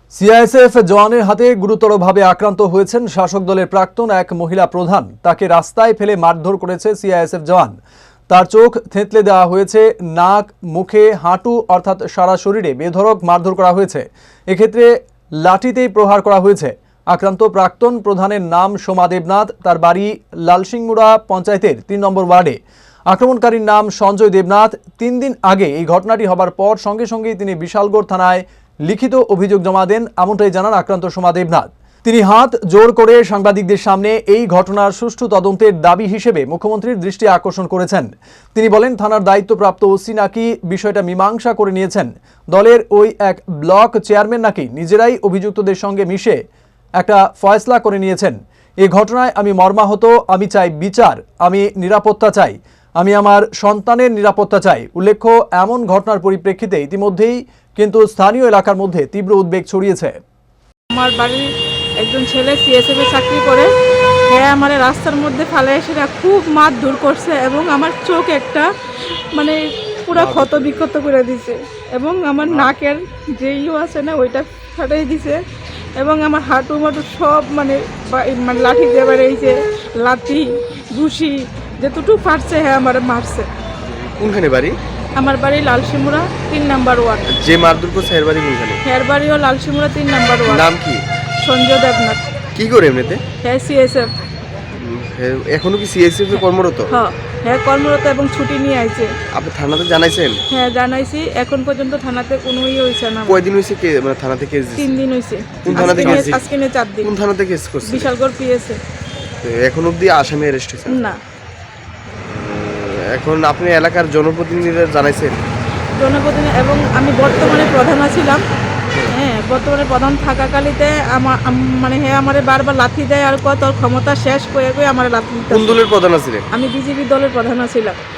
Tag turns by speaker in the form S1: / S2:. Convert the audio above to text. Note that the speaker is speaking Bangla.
S1: সিআইএসএফ জওয়ানের হাতে গুরুতরভাবে আক্রান্ত হয়েছেন শাসক দলের প্রাক্তন এক মহিলা প্রধান। তাকে রাস্তায় ফেলে মারধর করেছে সিআইএসএফ জওয়ান। তার চোখ থেঁতলে দেওয়া হয়েছে, নাক, মুখে, হাঁটু অর্থাৎ সারা শরীরে বেধড়ক মারধর করা হয়েছে। এক্ষেত্রে লাঠিতেই প্রহার করা হয়েছে। আক্রান্ত প্রাক্তন প্রধানের নাম সোমা দেবনাথ। তার বাড়ি লালসিংমুড়া পঞ্চায়েতের ৩ নম্বর ওয়ার্ডে। আক্রমণকারীর নাম সঞ্জয় দেবনাথ। ৩ দিন আগে এই ঘটনাটি হবার পর সঙ্গে সঙ্গেই তিনি বিশালগড় থানায় লিখিত অভিযোগ জমা দেন, এমনটাই জানান আক্রান্ত সোমা দেবনাথ। তিনি হাত জোর করে সাংবাদিকদের সামনে এই ঘটনার সুষ্ঠু তদন্তের দাবি হিসেবে মুখ্যমন্ত্রীর দৃষ্টি আকর্ষণ করেছেন। তিনি বলেন, থানার দায়িত্বপ্রাপ্ত ওসি নাকি বিষয়টা মীমাংসা করে নিয়েছেন। দলের ওই এক ব্লক চেয়ারম্যান নাকি নিজেরাই অভিযুক্তদের সঙ্গে মিশে একটা ফয়সলা করে নিয়েছেন। এই ঘটনায় আমি মর্মাহত, আমি চাই বিচার, আমি নিরাপত্তা চাই, আমি আমার সন্তানের নিরাপত্তা চাই। উল্লেখ্য, এমন ঘটনার পরিপ্রেক্ষিতে ইতিমধ্যেই কিন্তু স্থানীয় এলাকার মধ্যে তীব্র উদ্বেগ ছড়িয়েছে।
S2: আমার বাড়ির একজন ছেলে সিএসএফে চাকরি করে, হ্যাঁ আমার রাস্তার মধ্যে ফেলে এসে খুব মারধর করছে এবং আমার চোখ একটা মানে পুরো ক্ষত বিক্ষত করে দিছে এবং আমার নাকের যে আছে না ওইটা ফাটাই দিছে এবং আমার হাঁটু মাটু সব মানে লাঠি দিয়ে বেড়েছে, লাঠি ঘুষি যেটুকু ফাটছে হ্যাঁ আমার মারছে।
S3: কোনখানে বাড়ি?
S2: আমার বাড়ি লালসিমুড়া ৩ নম্বর ওয়ার্ড।
S3: যে মারধর করছে এর বাড়ি কোনখানে?
S2: এর বাড়িও লালসিমুড়া ৩ নম্বর ওয়ার্ড।
S3: নাম কি?
S2: সঞ্জয় দেবনাথ।
S3: কি করে এমনিতে?
S2: হ্যাঁ সিএসএফ।
S3: এখনো কি সিএসএফ এ কর্মরত?
S2: হ্যাঁ কর্মরত এবং ছুটি নিয়ে আইছে।
S3: আপনি থানাতে জানাইছেন?
S2: হ্যাঁ জানাইছি, এখন পর্যন্ত থানাতে কোনো হইছে না।
S3: কয়দিন হইছে কে মানে থানাতে কেস দিছে?
S2: 3 দিন হইছে।
S3: কোন থানাতে কেস দিছে?
S2: আজকে নিয়ে 4 দিন।
S3: কোন থানাতে কেস করছে?
S2: বিশালগড় পিএসএ।
S3: এখন অবধি আসামি অ্যারেস্ট হইছে
S2: না।
S3: এখন আপনি এলাকার জনপ্রতিনিধিদের জানাইছেন?
S2: জনপ্রতিনিধি এবং আমি বর্তমানে প্রধান ছিলাম। হ্যাঁ বর্তমানে প্রধান থাকাকালীতে মানে হ্যাঁ আমার বারবার লাথি দেয় আর কত ক্ষমতা শেষ করে আমার লাথি।
S3: কোন দলের প্রধান ছিলেন?
S2: আমি বিজেপি দলের প্রধান ছিলাম।